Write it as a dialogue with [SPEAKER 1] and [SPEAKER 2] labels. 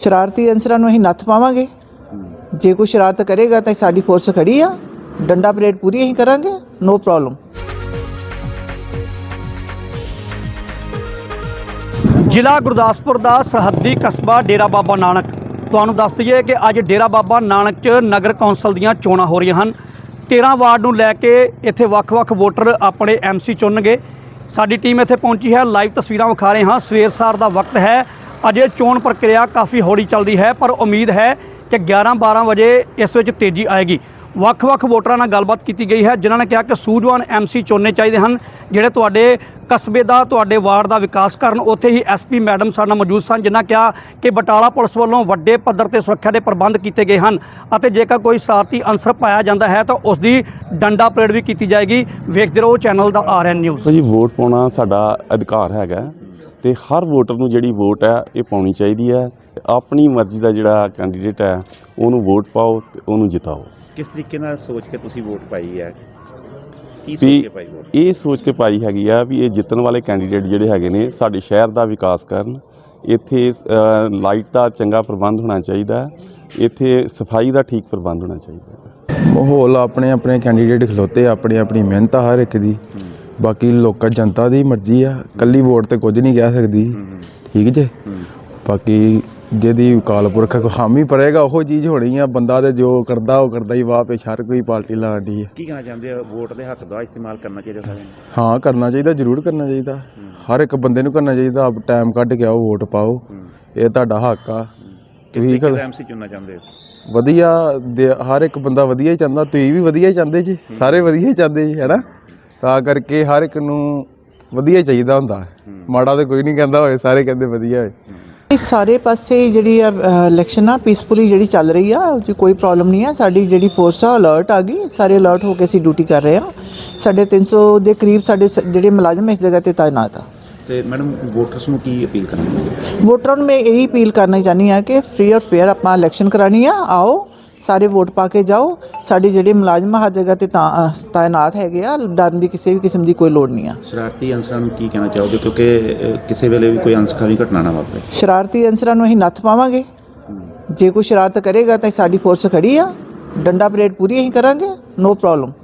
[SPEAKER 1] शरारती अंसरां नूं असीं नੱਥ पावांगे। जे कोई शरारत करेगा तो साडी फोर्स खड़ी आ, डंडा परेड पूरी असीं करांगे, नो प्रॉब्लम।
[SPEAKER 2] ਜ਼ਿਲ੍ਹਾ ਗੁਰਦਾਸਪੁਰ ਦਾ ਸਰਹੱਦੀ ਕਸਬਾ ਡੇਰਾ ਬਾਬਾ ਨਾਨਕ। ਤੁਹਾਨੂੰ ਦੱਸ ਦਈਏ ਕਿ ਅੱਜ ਡੇਰਾ ਬਾਬਾ ਨਾਨਕ 'ਚ ਨਗਰ ਕੌਂਸਲ ਦੀਆਂ ਚੋਣਾਂ ਹੋ ਰਹੀਆਂ ਹਨ। 13 ਵਾਰਡ ਨੂੰ ਲੈ ਕੇ ਇੱਥੇ ਵੱਖ-ਵੱਖ ਵੋਟਰ ਆਪਣੇ MC ਚੁਣਨਗੇ। ਸਾਡੀ ਟੀਮ ਇੱਥੇ ਪਹੁੰਚੀ ਹੈ, ਲਾਈਵ ਤਸਵੀਰਾਂ ਵਿਖਾ ਰਹੇ ਹਾਂ। ਸਵੇਰ ਸਾਰ ਦਾ ਵਕਤ ਹੈ, ਅਜੇ ਚੋਣ ਪ੍ਰਕਿਰਿਆ ਕਾਫੀ ਹੌਲੀ ਚੱਲਦੀ ਹੈ, ਪਰ ਉਮੀਦ ਹੈ ਕਿ 11-12 ਵਜੇ ਇਸ ਵਿੱਚ ਤੇਜ਼ੀ ਆਏਗੀ। ਵੱਖ-ਵੱਖ ਵੋਟਰਾਂ ਨਾਲ ਗੱਲਬਾਤ ਕੀਤੀ ਗਈ ਹੈ, ਜਿਨ੍ਹਾਂ ਨੇ ਕਿਹਾ ਕਿ ਸੂਝਵਾਨ MC ਚੁਣਨੇ ਚਾਹੀਦੇ ਹਨ, ਜਿਹੜੇ ਤੁਹਾਡੇ ਕਸਬੇ ਦਾ, ਤੁਹਾਡੇ ਵਾਰਡ ਦਾ ਵਿਕਾਸ ਕਰਨ। ਉੱਥੇ ਹੀ SP ਮੈਡਮ ਸਾਡੇ ਨਾਲ ਮੌਜੂਦ ਸਨ, ਜਿਨ੍ਹਾਂ ਕਿਹਾ ਕਿ ਬਟਾਲਾ ਪੁਲਿਸ ਵੱਲੋਂ ਵੱਡੇ ਪੱਧਰ ਤੇ ਸੁਰੱਖਿਆ ਦੇ ਪ੍ਰਬੰਧ ਕੀਤੇ ਗਏ ਹਨ ਅਤੇ ਜੇਕਰ ਕੋਈ ਸ਼ਰਾਰਤੀ ਅਨਸਰ ਪਾਇਆ ਜਾਂਦਾ ਹੈ ਤਾਂ ਉਸ ਦੀ ਡੰਡਾ ਪਰੇਡ ਵੀ ਕੀਤੀ ਜਾਏਗੀ। ਵੇਖਦੇ ਰਹੋ ਚੈਨਲ ਦਾ RN ਨਿਊਜ਼।
[SPEAKER 3] ਜੀ ਵੋਟ ਪਾਉਣਾ ਸਾਡਾ ਅਧਿਕਾਰ ਹੈਗਾ ਤੇ ਹਰ ਵੋਟਰ ਨੂੰ ਜਿਹੜੀ ਵੋਟ ਹੈ ਇਹ ਪਾਉਣੀ ਚਾਹੀਦੀ ਹੈ। ਆਪਣੀ ਮਰਜ਼ੀ ਦਾ ਜਿਹੜਾ ਕੈਂਡੀਡੇਟ ਹੈ ਉਹਨੂੰ ਵੋਟ ਪਾਓ ਤੇ ਉਹਨੂੰ ਜਿਤਾਓ।
[SPEAKER 4] ਕਿਸ ਤਰੀਕੇ ਨਾਲ ਸੋਚ ਕੇ ਤੁਸੀਂ ਵੋਟ ਪਾਈ ਹੈ? ਕੀ ਸੋਚ ਕੇ ਪਾਈ ਵੋਟ?
[SPEAKER 3] ਇਹ ਸੋਚ ਕੇ ਪਾਈ ਹੈਗੀ ਆ ਵੀ ਇਹ ਜਿੱਤਣ ਵਾਲੇ ਕੈਂਡੀਡੇਟ ਜਿਹੜੇ ਹੈਗੇ ਨੇ ਸਾਡੇ ਸ਼ਹਿਰ ਦਾ ਵਿਕਾਸ ਕਰਨ। ਇੱਥੇ ਲਾਈਟ ਦਾ ਚੰਗਾ ਪ੍ਰਬੰਧ ਹੋਣਾ ਚਾਹੀਦਾ, ਇੱਥੇ ਸਫਾਈ ਦਾ ਠੀਕ ਪ੍ਰਬੰਧ ਹੋਣਾ ਚਾਹੀਦਾ।
[SPEAKER 5] ਮਾਹੌਲ ਆਪਣੇ ਆਪਣੇ ਕੈਂਡੀਡੇਟ ਖਲੋਤੇ, ਆਪਣੀ ਆਪਣੀ ਮਿਹਨਤ ਆ ਹਰ ਇੱਕ ਦੀ। ਬਾਕੀ ਲੋਕਾਂ ਜਨਤਾ ਦੀ ਮਰਜ਼ੀ ਆ, ਇਕੱਲੀ ਵੋਟ ਤੇ ਕੁਝ ਨਹੀਂ ਕਹਿ ਸਕਦੀ, ਠੀਕ ਜੇ। ਬਾਕੀ ਜਿਹਦੀ ਅਕਾਲ ਪੁਰਖ ਹਾਮੀ ਭਰੇਗਾ ਉਹ ਚੀਜ਼ ਹੋਣੀ ਆ। ਬੰਦਾ ਤੇ ਜੋ ਕਰਦਾ ਉਹ ਕਰਦਾ ਹੀ, ਵਾਹ ਪੇਸ਼ ਹਰ ਕੋਈ ਪਾਰਟੀ ਲਾਉਂਦੀ ਹੈ।
[SPEAKER 4] ਕੀ ਕਹਿਣਾ ਚਾਹੁੰਦੇ ਹੋ? ਵੋਟ ਦੇ ਹੱਕ ਦਾ ਇਸਤੇਮਾਲ ਕਰਨਾ ਚਾਹੀਦਾ ਸਾਰਿਆਂ ਨੂੰ?
[SPEAKER 5] ਹਾਂ ਕਰਨਾ ਚਾਹੀਦਾ, ਜ਼ਰੂਰ ਕਰਨਾ ਚਾਹੀਦਾ। ਹਰ ਇੱਕ ਬੰਦੇ ਨੂੰ ਕਰਨਾ ਚਾਹੀਦਾ। ਆਪ ਟਾਈਮ ਕੱਢ ਕੇ ਆਓ, ਵੋਟ ਪਾਓ, ਇਹ ਤੁਹਾਡਾ ਹੱਕ ਆ।
[SPEAKER 4] ਤੁਸੀਂ MC ਚੁਣਨਾ ਚਾਹੁੰਦੇ ਹੋ?
[SPEAKER 5] ਵਧੀਆ, ਹਰ ਇੱਕ ਬੰਦਾ ਵਧੀਆ ਹੀ ਚਾਹੁੰਦਾ। ਤੁਸੀਂ ਵੀ ਵਧੀਆ ਹੀ ਚਾਹੁੰਦੇ ਜੀ, ਸਾਰੇ ਵਧੀਆ ਹੀ ਚਾਹੁੰਦੇ ਜੀ, ਹੈ ਨਾ। ਤਾਂ ਕਰਕੇ ਹਰ ਇੱਕ ਨੂੰ ਵਧੀਆ ਚਾਹੀਦਾ ਹੁੰਦਾ, ਮਾੜਾ ਤਾਂ ਕੋਈ ਨਹੀਂ ਕਹਿੰਦਾ ਹੋਏ, ਸਾਰੇ ਕਹਿੰਦੇ ਵਧੀਆ ਹੋਏ।
[SPEAKER 1] ਸਾਰੇ ਪਾਸੇ ਜਿਹੜੀ ਇਲੈਕਸ਼ਨ ਆ ਪੀਸਫੁਲੀ ਜਿਹੜੀ ਚੱਲ ਰਹੀ ਆ, ਉਹ 'ਚ ਕੋਈ ਪ੍ਰੋਬਲਮ ਨਹੀਂ ਆ। ਸਾਡੀ ਜਿਹੜੀ ਫੋਰਸ ਆ ਅਲਰਟ ਆ ਗਈ, ਸਾਰੇ ਅਲਰਟ ਹੋ ਕੇ ਅਸੀਂ ਡਿਊਟੀ ਕਰ ਰਹੇ ਆ। ਸਾਡੇ 300 ਦੇ ਕਰੀਬ ਸਾਡੇ ਜਿਹੜੇ ਮੁਲਾਜ਼ਮ ਇਸ ਜਗ੍ਹਾ 'ਤੇ ਤਾਇਨਾਤ ਆ।
[SPEAKER 4] ਤੇ ਮੈਡਮ ਵੋਟਰਸ ਨੂੰ ਕੀ ਅਪੀਲ ਕਰਨੀ?
[SPEAKER 1] ਵੋਟਰਾਂ ਨੂੰ ਮੈਂ ਇਹੀ ਅਪੀਲ ਕਰਨਾ ਚਾਹੁੰਦੀ ਹਾਂ ਕਿ ਫ੍ਰੀ ਔਰ ਫੇਅਰ ਆਪਾਂ ਇਲੈਕਸ਼ਨ ਕਰਾਉਣੀ ਆ। ਆਓ ਸਾਰੇ ਵੋਟ ਪਾ ਕੇ ਜਾਓ। ਸਾਡੇ ਜਿਹੜੇ ਮੁਲਾਜ਼ਮ ਹਰ ਜਗ੍ਹਾ 'ਤੇ ਤਾਇਨਾਤ ਹੈਗੇ ਆ, ਡਰਨ ਦੀ ਕਿਸੇ ਵੀ ਕਿਸਮ ਦੀ ਕੋਈ ਲੋੜ ਨਹੀਂ ਆ।
[SPEAKER 4] ਸ਼ਰਾਰਤੀ ਅਨਸਰਾਂ ਨੂੰ ਕੀ ਕਹਿਣਾ ਚਾਹੋਗੇ, ਕਿਉਂਕਿ ਕਿਸੇ ਵੇਲੇ ਵੀ ਕੋਈ ਅਨਸਖਾਵੀ ਘਟਨਾ ਨਾ ਵਾਪਰੇ?
[SPEAKER 1] ਸ਼ਰਾਰਤੀ ਅਨਸਰਾਂ ਨੂੰ ਅਸੀਂ ਨੱਥ ਪਾਵਾਂਗੇ। ਜੇ ਕੋਈ ਸ਼ਰਾਰਤ ਕਰੇਗਾ ਤਾਂ ਸਾਡੀ ਫੋਰਸ ਖੜੀ ਆ, ਡੰਡਾ ਪਰੇਡ ਪੂਰੀ ਅਸੀਂ ਕਰਾਂਗੇ, ਨੋ ਪ੍ਰੋਬਲਮ।